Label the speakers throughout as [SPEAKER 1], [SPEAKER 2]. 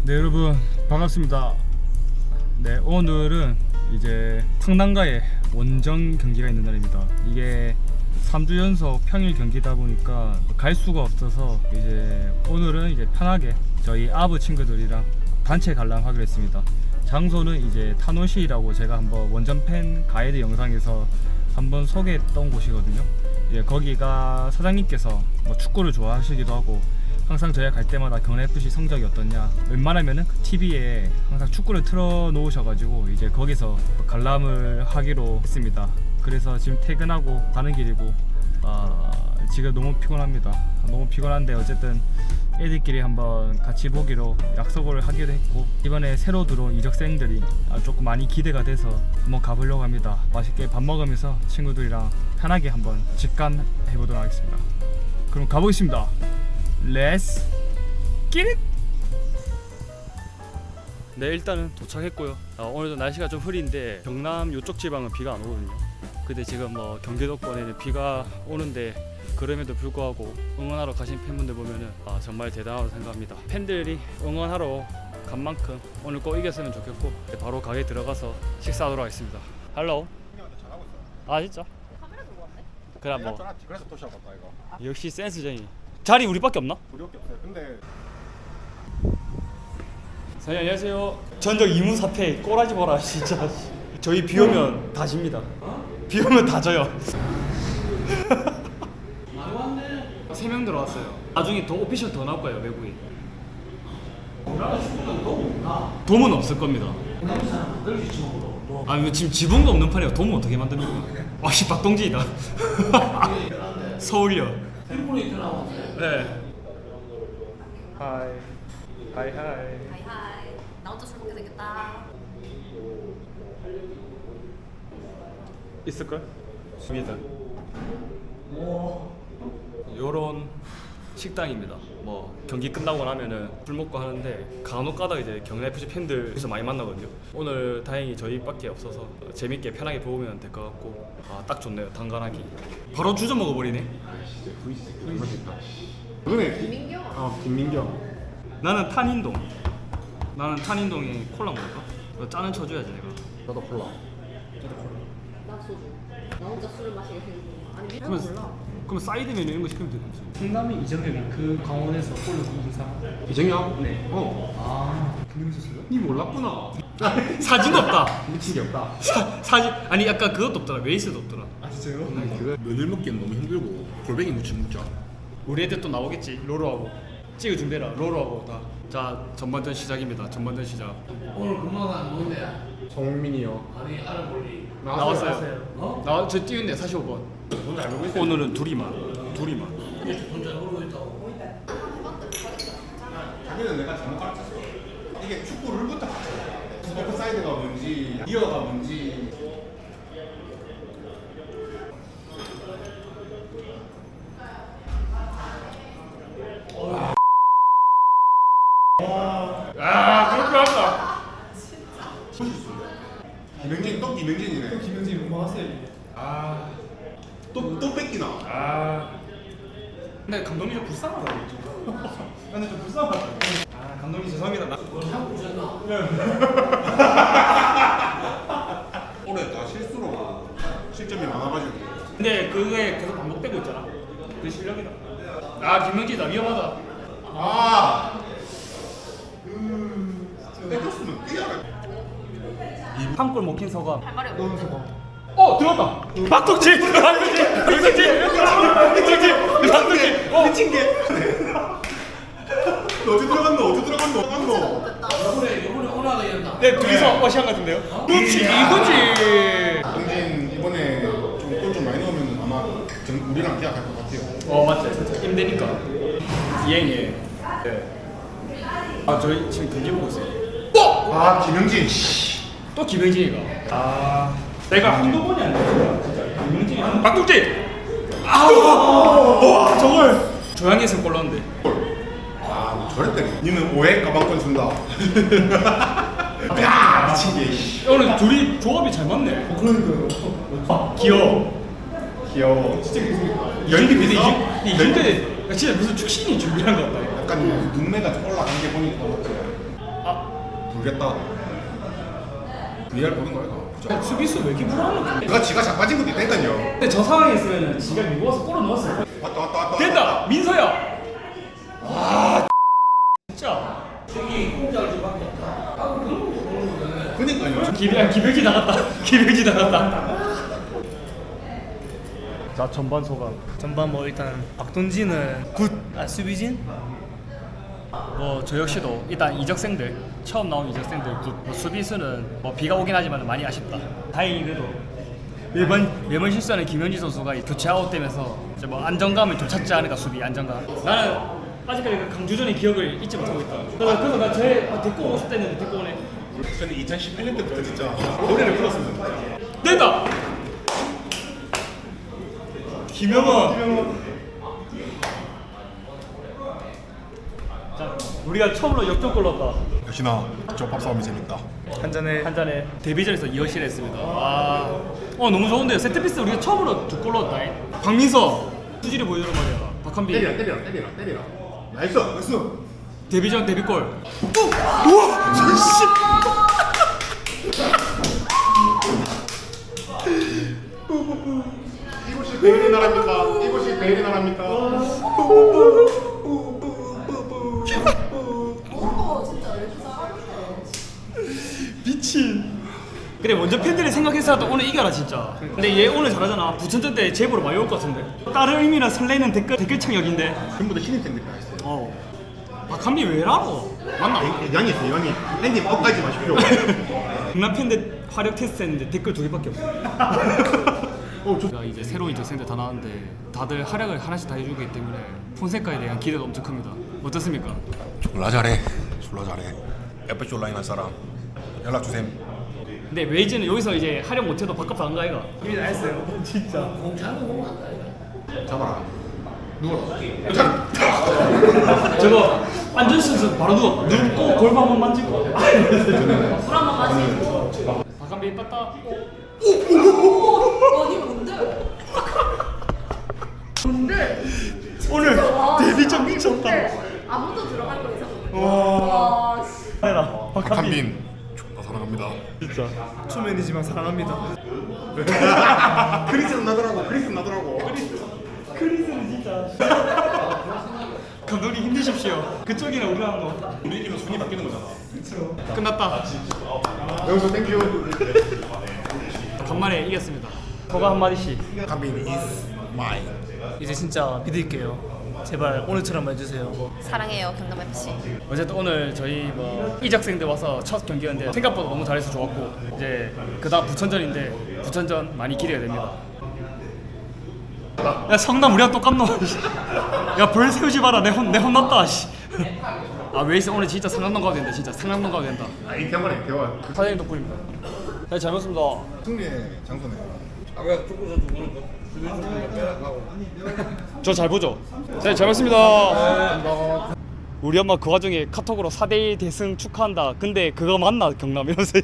[SPEAKER 1] 네, 여러분 반갑습니다. 네, 오늘은 이제 성남과의 원정 경기가 있는 날입니다. 이게 3주 연속 평일 경기다 보니까 갈 수가 없어서 이제 오늘은 이제 편하게 저희 아부 친구들이랑 단체 관람하기로 했습니다. 장소는 이제 타노시라고 제가 한번 원정팬 가이드 영상에서 한번 소개했던 곳이거든요. 이제 거기가 사장님께서 뭐 축구를 좋아하시기도 하고 항상 저희가 갈 때마다 경남FC 성적이 어떻냐, 웬만하면은 그 TV에 항상 축구를 틀어 놓으셔가지고 이제 거기서 관람을 하기로 했습니다. 그래서 지금 퇴근하고 가는 길이고 지금 너무 피곤합니다. 너무 피곤한데 어쨌든 애들끼리 한번 같이 보기로 약속을 하기로 했고, 이번에 새로 들어온 이적생들이 조금 많이 기대가 돼서 한번 가보려고 합니다. 맛있게 밥 먹으면서 친구들이랑 편하게 한번 직관해보도록 하겠습니다. 그럼 가보겠습니다. Let's get it! 네, 일단은 도착했고요. 오늘도 날씨가 좀 흐린데 경남 요쪽 지방은 비가 안 오거든요. 근데 지금 뭐 경기도권에는 비가 오는데 그럼에도 불구하고 응원하러 가신 팬분들 보면은 정말 대단하다고 생각합니다. 팬들이 응원하러 간 만큼 오늘 꼭 이겼으면 좋겠고 바로 가게 들어가서 식사하도록 하겠습니다. 할로.
[SPEAKER 2] 잘하고 있어.
[SPEAKER 1] 아 진짜?
[SPEAKER 3] 카메라 들고 왔네?
[SPEAKER 1] 그래 뭐
[SPEAKER 2] 그래서 도시락 갔다 이거.
[SPEAKER 1] 역시 센스쟁이. 자리 우리밖에 없나?
[SPEAKER 2] 우리밖에 없어요. 근데
[SPEAKER 1] 사장님 안녕하세요. 전적 이무사패 꼬라지 보라 진짜. 저희 비 오면 다 집니다. 비 오면 다 져요. 3명 들어왔어요. 나중에 더 오피셜 더 나올 거예요, 외국인. 돔은 없을 겁니다. 아, 이거 지금 지붕도 없는 판이에요. 돔은 어떻게 만듭니까? 와씨 박동진이다. 서울이요. 네. 하이. 하이 하이.
[SPEAKER 3] 하이하이. 나 혼자 술 먹게 생겼다.
[SPEAKER 1] 있을걸? 있습니다. 요런 식당입니다. 뭐 경기 끝나고 나면은 술 먹고 하는데 간혹 가다 이제 경남FC 팬들에서 많이 만나거든요. 오늘 다행히 저희밖에 없어서 재밌게 편하게 보면 될 것 같고 딱 좋네요. 단간하기. 바로 주저 먹어버리네.
[SPEAKER 2] 너네
[SPEAKER 3] 김민경.
[SPEAKER 2] 김민경.
[SPEAKER 1] 나는 탄인동. 나는 탄인동에 콜라 먹을까? 너 짜는 쳐줘야지 내가.
[SPEAKER 2] 나도 콜라.
[SPEAKER 3] 나 소주. 나 혼자 술을 마시게 생겼구나. 아니 미련
[SPEAKER 1] 그러면-
[SPEAKER 3] 몰라.
[SPEAKER 1] 그럼 사이드 메뉴 이런 거 시키면 되겠지.
[SPEAKER 4] 성남이 이정현이 그 강원에서 골로 굽은 사람?
[SPEAKER 2] 이정현?
[SPEAKER 4] 네.
[SPEAKER 2] 아,
[SPEAKER 4] 그놈 있었어요?
[SPEAKER 2] 니 몰랐구나.
[SPEAKER 1] 사진도 없다.
[SPEAKER 2] 미친 게 없다.
[SPEAKER 1] 사진 아니 약간 그것도 없더라. 웨이스도 없더라.
[SPEAKER 4] 아 진짜요?
[SPEAKER 2] 그거 면을 먹기는 너무 힘들고 골뱅이 무침 먹자.
[SPEAKER 1] 우리 애들 또 나오겠지. 로로하고 찍어 준비해라. 로로하고 다. 자, 전반전 시작입니다. 전반전 시작.
[SPEAKER 5] 오늘 근무가 누군데?
[SPEAKER 2] 정민이요.
[SPEAKER 5] 아니 알아볼리.
[SPEAKER 1] 나왔어요. 나와 저 띄운데 45번. 오늘은 둘이만.
[SPEAKER 5] 혼자 모르고 있다고.
[SPEAKER 2] 자기는 내가 잘못 가르쳤어. 이게 축구 룰부터 가르쳐. 오프사이드가 뭔지, 기어가 뭔지.
[SPEAKER 1] 그렇게 한다.
[SPEAKER 2] 김영진 또 김영진이네.
[SPEAKER 4] 김현진 응원하세요.
[SPEAKER 2] 또 뺏기나.
[SPEAKER 1] 근데 감독님 좀 불쌍하다. 근데 좀 불쌍하다. 감독님 죄송합니다.
[SPEAKER 2] 올해 다 실수로 실점이 많아가지고.
[SPEAKER 1] 근데 그게 계속 반복되고 있잖아. 그 실력이다. 김명진이다. 위험하다.
[SPEAKER 2] 뺏겼으면 뛰어라.
[SPEAKER 1] 한 골 먹힌 소감.
[SPEAKER 3] 할 말이 없어.
[SPEAKER 1] 들어갔다. 박동진.
[SPEAKER 2] 미친 게. 너 어디 들어갔노?
[SPEAKER 3] 못했다.
[SPEAKER 5] 이번에 오나가 이런다.
[SPEAKER 1] 네, 둘이서 어시한 같은데요? 그렇지, 이거지.
[SPEAKER 2] 동진 이번에 골 좀 많이 넣으면 아마 우리랑 계약할 것 같아요.
[SPEAKER 1] 맞지. 임대니까. 이행이에요. 네. 저희 지금 경기 보고 있어요.
[SPEAKER 2] 김영진.
[SPEAKER 1] 또 김영진이가. 내가 한두 번이 아니야 진짜. 김영진이 박동진. 와 저걸 조양에서 골 넣었는데.
[SPEAKER 2] 저랬대. 니는 5회 가방권 준다. 야 미친 게.
[SPEAKER 1] 오늘 둘이 조합이 잘 맞네.
[SPEAKER 4] 그러니까요.
[SPEAKER 2] 귀여워. 진짜
[SPEAKER 1] 연기 비대 이준대 진짜 무슨 축신이 준비한 것 같다.
[SPEAKER 2] 약간 눈매가 좀 올라간 게 보니까 맞지. 모르겠다. VR 보는 거야 이거.
[SPEAKER 4] 수비수 왜 이렇게 불안해?
[SPEAKER 2] 그가 지가 자빠진 것도 있다니까요.
[SPEAKER 4] 근데 저 상황에 있으면 지가 미국에서 골을 넣었어.
[SPEAKER 2] 왔다.
[SPEAKER 4] 됐다! 민서야! 와 진짜
[SPEAKER 2] 그니까요.
[SPEAKER 4] 기백이 나갔다. 기백이 나갔다.
[SPEAKER 1] 자 전반 소감.
[SPEAKER 4] 전반 뭐 일단 박동진은 굿. 수비진?
[SPEAKER 1] 뭐 저 역시도 일단 이적생들 처음 나온 이적생들 뭐 수비수는 뭐 비가 오긴 하지만 많이 아쉽다. 다행히 그래도 매번 실수하는 김현지 선수가 이 교체 아웃되면서 이제 뭐 안정감을 좀 찾지 않을까. 수비 안정감. 나는 아직까지 그 강주전의 기억을 잊지 못하고 있다. 그래서 나쟤 데리고 오고 싶다 했는데 데리고 오네.
[SPEAKER 2] 근데 2018년 때부터 진짜 노래를 불렀습니다.
[SPEAKER 1] 됐다. 김영원. 자 우리가 처음으로 역전골 넣었다.
[SPEAKER 2] 역시나 저 밥싸움이 재밌다.
[SPEAKER 1] 한 잔에 데뷔전에서 2어시를 했습니다. 와, 너무 좋은데요. 세트피스 우리가 처음으로 2골 넣었다. 박민서 수질이 보여주는 말이야. 박한빈
[SPEAKER 2] 때리라. 나이스.
[SPEAKER 1] 데뷔전 데뷔골.
[SPEAKER 2] 이곳이 베일의 나라입니까? 이곳이 베일의 나라입니까?
[SPEAKER 3] 진짜 왜 이렇게 잘하는데?
[SPEAKER 1] 미친. 그래 먼저 팬들이 생각했어도 오늘 이겨라 진짜. 근데 얘 오늘 잘하잖아. 부천전 때 제보로 많이 올 것 같은데. 다른 의미나 설레는 댓글창 여긴데.
[SPEAKER 2] 전부 다 신입생들이 다 있어요.
[SPEAKER 1] 박한빈 왜라고? 맞나?
[SPEAKER 2] 양이 있어요. 양이. 팬님 업가지 마십시오.
[SPEAKER 1] 경남 팬들 화력 테스트 했는데 댓글 2개밖에 없어. 제가 이제 새로운 이적생들 다 나왔는데 다들 활약을 하나씩 다 해주기 때문에 폰세카에 대한 기대도 엄청 큽니다. 어떻습니까?
[SPEAKER 2] 졸라 잘해. FC 온라인 할 사람 연락 주셈.
[SPEAKER 1] 근데 웨이즈는 여기서 이제 활약 못해도 바깥 안 가이가.
[SPEAKER 4] 이미 다 했어요. 진짜.
[SPEAKER 2] 잡아라. 누워라.
[SPEAKER 1] 저거 안전선수 바로 눕고 골반 한번 만지고.
[SPEAKER 3] 물 한번 마시고.
[SPEAKER 1] 박한빈 땄다.
[SPEAKER 3] 아니 뭔데? 뭔데?
[SPEAKER 1] 오늘
[SPEAKER 3] 와,
[SPEAKER 1] 데뷔전
[SPEAKER 3] 아니,
[SPEAKER 1] 미쳤다.
[SPEAKER 3] 뭔데? 아무도 들어갈 거 이상한데.
[SPEAKER 1] 와.
[SPEAKER 3] 와, 씨.
[SPEAKER 1] 해라.
[SPEAKER 2] 박한빈 존나 사랑합니다.
[SPEAKER 1] 진짜.
[SPEAKER 4] 초면이지만 사랑합니다.
[SPEAKER 2] 크리스는 나더라고.
[SPEAKER 1] 크리스는 진짜. 감독님 힘드십시오. 그쪽이나 우리랑 뭐.
[SPEAKER 2] 우리 이기면 순위 바뀌는 거잖아.
[SPEAKER 1] 끝났다.
[SPEAKER 2] 여기서 땡큐.
[SPEAKER 1] 간만에 이겼습니다. 소감 한마디씩.
[SPEAKER 2] 박한빈 is mine.
[SPEAKER 4] 이제 진짜 믿을게요. 제발 오늘처럼 해주세요.
[SPEAKER 3] 사랑해요 경남 FC.
[SPEAKER 1] 어쨌든 오늘 저희 뭐 이적생들 와서 첫 경기였는데 생각보다 너무 잘해서 좋았고 이제 그다음 부천전인데 부천전 많이 기대가 됩니다. 야 성남 우리랑 똑같노. 야벌 세우지 마라. 내 혼났다. 씨. 아 웨이스 오늘 진짜 상남동 가도 된다. 진짜 상남동 가도 된다.
[SPEAKER 2] 이 대화네 대화.
[SPEAKER 1] 사장님 덕분입니다. 네, 잘 먹습니다.
[SPEAKER 2] 승리의 장소네.
[SPEAKER 1] 저 잘 보죠? 네, 잘 봤습니다. 우리 엄마 그 와중에 카톡으로 4대1 대승 축하한다. 근데 그거 맞나? 경남 이러면서.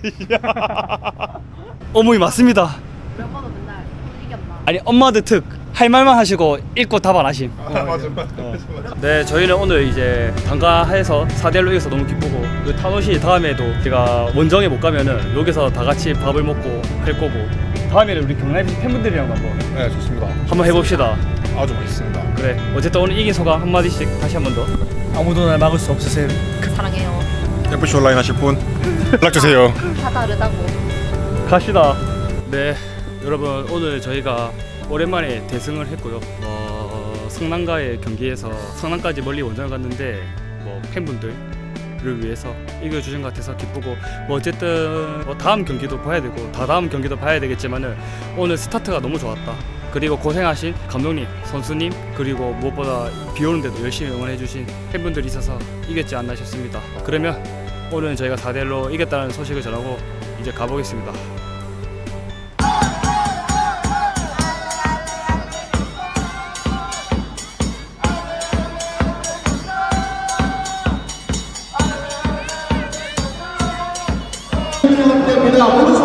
[SPEAKER 1] 어머니 맞습니다.
[SPEAKER 3] 몇 번은 맨날 이겼나?
[SPEAKER 1] 아니 엄마들 특 할 말만 하시고 읽고 답 안 하심.
[SPEAKER 2] 맞아.
[SPEAKER 1] 네, 저희는 오늘 이제 단가해서 4대1로 이겨서 너무 기쁘고 그 타노시 다음에도 제가 원정에 못 가면은 여기서 다 같이 밥을 먹고 할 거고 다음에는 우리 경남 FC 팬분들이랑 한번
[SPEAKER 2] 네 좋습니다.
[SPEAKER 1] 한번 해봅시다.
[SPEAKER 2] 아주 맛있습니다.
[SPEAKER 1] 그래 어쨌든 오늘 이긴 소감 한마디씩 다시 한 번 더.
[SPEAKER 4] 아무도 날 막을 수 없으세요.
[SPEAKER 3] 사랑해요.
[SPEAKER 2] FC 온라인 하실 분 연락 주세요.
[SPEAKER 3] 다 다르다고.
[SPEAKER 1] 갑시다. 네, 여러분 오늘 저희가 오랜만에 대승을 했고요. 성남과의 경기에서 성남까지 멀리 원정을 갔는데 뭐 팬분들을 위해서 이겨주신 것 같아서 기쁘고 뭐 어쨌든 뭐 다음 경기도 봐야 되고 다다음 경기도 봐야 되겠지만은 오늘 스타트가 너무 좋았다. 그리고 고생하신 감독님, 선수님 그리고 무엇보다 비 오는데도 열심히 응원해주신 팬분들이 있어서 이겼지 않나 싶습니다. 그러면 오늘은 저희가 4대1로 이겼다는 소식을 전하고 이제 가보겠습니다.
[SPEAKER 6] 모두